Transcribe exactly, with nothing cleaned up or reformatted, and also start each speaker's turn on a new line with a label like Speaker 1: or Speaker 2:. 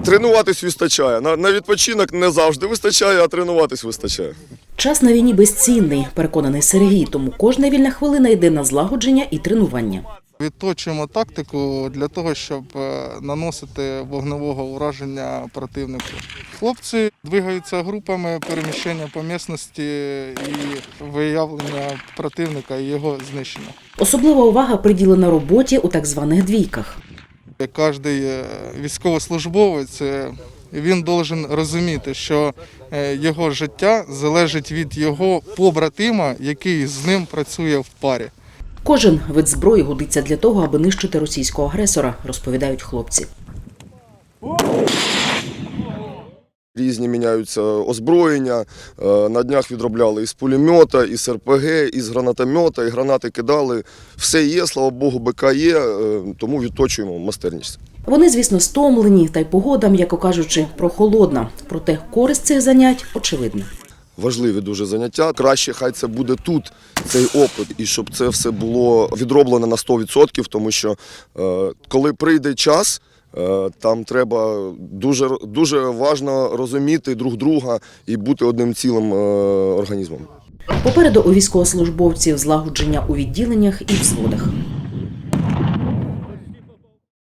Speaker 1: Тренуватись вистачає. На, на відпочинок не завжди вистачає, а тренуватись вистачає.
Speaker 2: Час на війні безцінний, переконаний Сергій, тому кожна вільна хвилина йде на злагодження і тренування.
Speaker 3: Відточуємо тактику для того, щоб наносити вогневого ураження противнику. Хлопці двигаються групами переміщення по місцевості і виявлення противника і його знищення.
Speaker 2: Особлива увага приділена роботі у так званих двійках.
Speaker 3: Кожен військовослужбовець, він повинен розуміти, що його життя залежить від його побратима, який з ним працює в парі.
Speaker 2: Кожен вид зброї годиться для того, аби нищити російського агресора, розповідають хлопці.
Speaker 1: Різні міняються озброєння. На днях відробляли із пулемета, із ер пе ге, із гранатомета, і гранати кидали. Все є, слава Богу, БК є, тому відточуємо майстерність.
Speaker 2: Вони, звісно, стомлені, та й погода, м'яко кажучи, прохолодна. Проте користь цих занять очевидна.
Speaker 1: Важливі дуже заняття. Краще хай це буде тут, цей опит, і щоб це все було відроблено на сто відсотків, тому що коли прийде час, там треба дуже, дуже важливо розуміти друг друга і бути одним цілим організмом.
Speaker 2: Попереду у військовослужбовців злагодження у відділеннях і взводах.